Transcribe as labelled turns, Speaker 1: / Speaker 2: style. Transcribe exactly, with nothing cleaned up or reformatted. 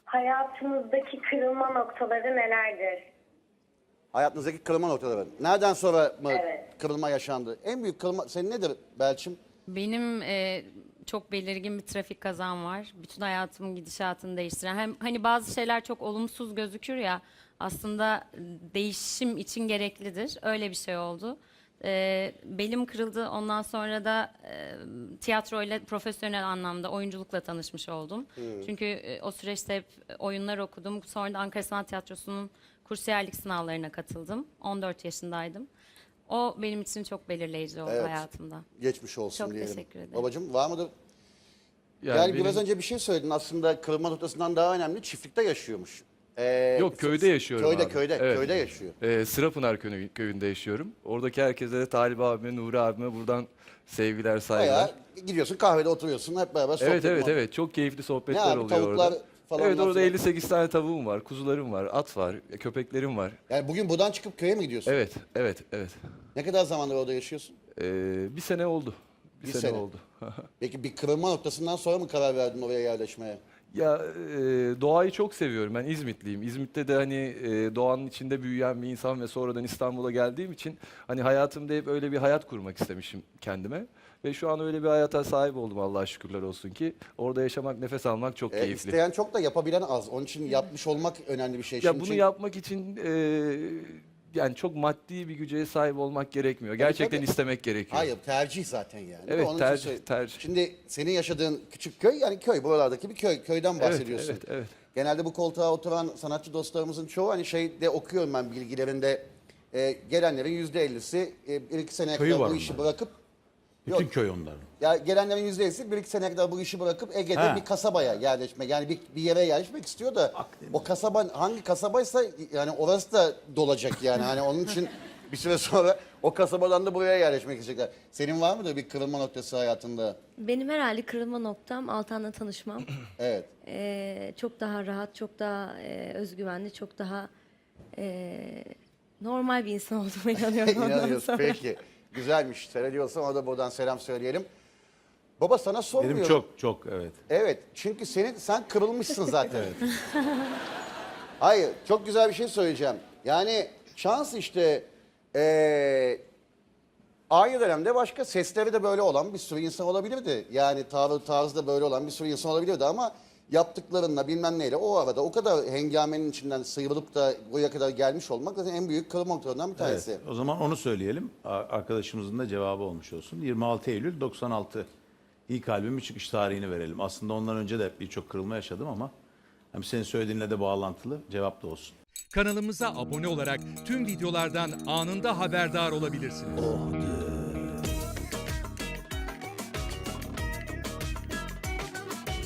Speaker 1: Hayatımızdaki kırılma noktaları nelerdir?
Speaker 2: Hayatınızdaki kırılma noktaları. Nereden sonra mı
Speaker 1: Evet.
Speaker 2: kırılma yaşandı? En büyük kırılma senin nedir Belçim?
Speaker 3: Benim e, çok belirgin bir trafik kazam var. Bütün hayatımın gidişatını değiştiren. Hem hani bazı şeyler çok olumsuz gözükür ya, aslında değişim için gereklidir. Öyle bir şey oldu. E, belim kırıldı. Ondan sonra da e, tiyatroyla profesyonel anlamda oyunculukla tanışmış oldum. Çünkü e, o süreçte hep oyunlar okudum. Sonra da Ankara Sanat Tiyatrosu'nun kursiyerlik sınavlarına katıldım. on dört yaşındaydım. O benim için çok belirleyici oldu
Speaker 2: Evet.
Speaker 3: hayatımda.
Speaker 2: Geçmiş olsun
Speaker 3: Çok
Speaker 2: diyelim.
Speaker 3: teşekkür ederim.
Speaker 2: Babacığım var mıdır?
Speaker 4: Yani,
Speaker 2: Yani
Speaker 4: benim-
Speaker 2: biraz önce bir şey söyledin, aslında kırılma noktasından daha önemli çiftlikte yaşıyormuş. Ee,
Speaker 4: Yok, köyde yaşıyorum
Speaker 2: Köyde
Speaker 4: abi.
Speaker 2: köyde
Speaker 4: Evet.
Speaker 2: köyde yaşıyor.
Speaker 4: Ee, Sırapınar köyü- köyünde yaşıyorum. Oradaki herkese de Talip abime, Nuri abime buradan sevgiler, saygılar.
Speaker 2: Bayağı gidiyorsun kahvede oturuyorsun hep beraber sohbet.
Speaker 4: Evet evet
Speaker 2: muhabbet.
Speaker 4: evet, çok keyifli
Speaker 2: Ne
Speaker 4: sohbetler
Speaker 2: abi,
Speaker 4: oluyor
Speaker 2: tavuklar
Speaker 4: orada.
Speaker 2: falan
Speaker 4: Evet, orada
Speaker 2: filan.
Speaker 4: elli sekiz tane tavuğum var, kuzularım var, at var, köpeklerim var.
Speaker 2: Yani bugün buradan çıkıp köye mi gidiyorsun?
Speaker 4: Evet evet evet.
Speaker 2: Ne kadar zamandır orada yaşıyorsun?
Speaker 4: Ee, bir sene oldu. Bir,
Speaker 2: Bir
Speaker 4: sene,
Speaker 2: sene.
Speaker 4: oldu.
Speaker 2: Peki bir kırılma noktasından sonra mı karar verdin oraya yerleşmeye?
Speaker 4: Ya e, doğayı çok seviyorum. Ben İzmitliyim. İzmit'te de hani e, doğanın içinde büyüyen bir insan ve sonradan İstanbul'a geldiğim için hani hayatımda hep öyle bir hayat kurmak istemişim kendime. Ve şu an öyle bir hayata sahip oldum, Allah'a şükürler olsun ki. Orada yaşamak, nefes almak çok
Speaker 2: Ee,
Speaker 4: keyifli.
Speaker 2: isteyen çok da yapabilen az. Onun için yapmış olmak önemli bir şey.
Speaker 4: Ya
Speaker 2: Şimdi
Speaker 4: bunu
Speaker 2: çünkü-
Speaker 4: yapmak için e, yani çok maddi bir güce sahip olmak gerekmiyor. Gerçekten
Speaker 2: tabii.
Speaker 4: istemek gerekiyor.
Speaker 2: Hayır, tercih zaten yani.
Speaker 4: Evet,
Speaker 2: Onun için
Speaker 4: tercih,
Speaker 2: söyle-
Speaker 4: tercih.
Speaker 2: Şimdi senin yaşadığın küçük köy, yani köy, buralardaki bir köy. Köyden
Speaker 4: Evet,
Speaker 2: bahsediyorsun.
Speaker 4: evet, evet.
Speaker 2: Genelde bu koltuğa oturan sanatçı dostlarımızın çoğu hani şeyde okuyorum ben bilgilerinde, e, gelenlerin yüzde ellisi e, bir iki seneye
Speaker 5: Köyü
Speaker 2: kadar
Speaker 5: var
Speaker 2: bu işi
Speaker 5: onların.
Speaker 2: bırakıp
Speaker 5: Bütün
Speaker 2: Yok.
Speaker 5: köy onların.
Speaker 2: ya gelenlerin yüzde ellisi bir iki seneye kadar bu işi bırakıp Ege'de
Speaker 5: Ha.
Speaker 2: bir kasabaya yerleşmek, yani bir, bir yere yerleşmek istiyor da o kasaba hangi kasabaysa yani orası da dolacak yani hani onun için bir süre sonra o kasabadan da buraya yerleşmek isteyecekler. Senin var mıdır bir kırılma noktası hayatında?
Speaker 6: Benim herhalde kırılma noktam Altan'la tanışmam.
Speaker 2: Evet.
Speaker 6: Ee, çok daha rahat, çok daha e, özgüvenli, çok daha e, normal bir insan olduğuma inanıyorum ondan
Speaker 2: İnanıyorsun.
Speaker 6: sonra.
Speaker 2: Peki. Güzelmiş. Seyrediyorsan ona da buradan selam söyleyelim. Baba sana sormuyorum.
Speaker 5: Benim çok çok evet.
Speaker 2: Evet. Çünkü senin sen kırılmışsın zaten. Hayır. Çok güzel bir şey söyleyeceğim. Yani şans işte eee aynı dönemde başka sesleri de böyle olan bir sürü insan olabilirdi. Yani tavır tarzı da böyle olan bir sürü insan olabilirdi ama yaptıklarınla bilmem neyle o arada o kadar hengamenin içinden sıyrılıp da buraya kadar gelmiş olmak zaten en büyük kırılma noktalarından bir tanesi.
Speaker 5: Evet. O zaman onu söyleyelim. A- Arkadaşımızın da cevabı olmuş olsun. yirmi altı Eylül doksan altı ilk albümün çıkış tarihini verelim. Aslında ondan önce de birçok kırılma yaşadım ama hem senin söylediğinle de bağlantılı cevap da olsun.
Speaker 7: Kanalımıza abone olarak tüm videolardan anında haberdar olabilirsiniz.